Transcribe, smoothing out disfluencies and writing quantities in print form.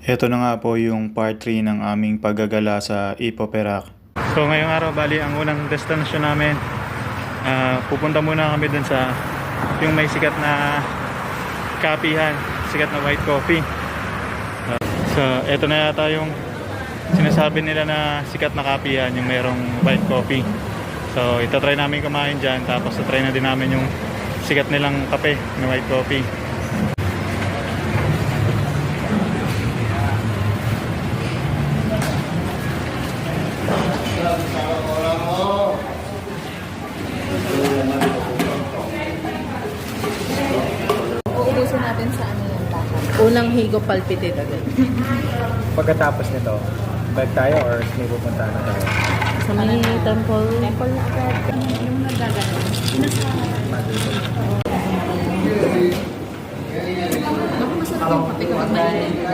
Ito na nga po yung part 3 ng aming paggagala sa Ipo Perak. So ngayong araw, bali ang unang destination namin, pupunta muna kami dun sa yung may sikat na kapihan, sikat na white coffee. So ito na yata yung sinasabi nila na sikat na kapihan, yung merong white coffee. So itatry namin kumain dyan, tapos try na din namin yung sikat nilang kape na white coffee. Uubusin natin sa ano yung lakad. Unang higo palpitate agad. Pagkatapos nito, bike tayo or may pupunta na tayo? Sa may temple. Temple na agad. Yung nagagano. Naku, masarap yung kape kapag mainit.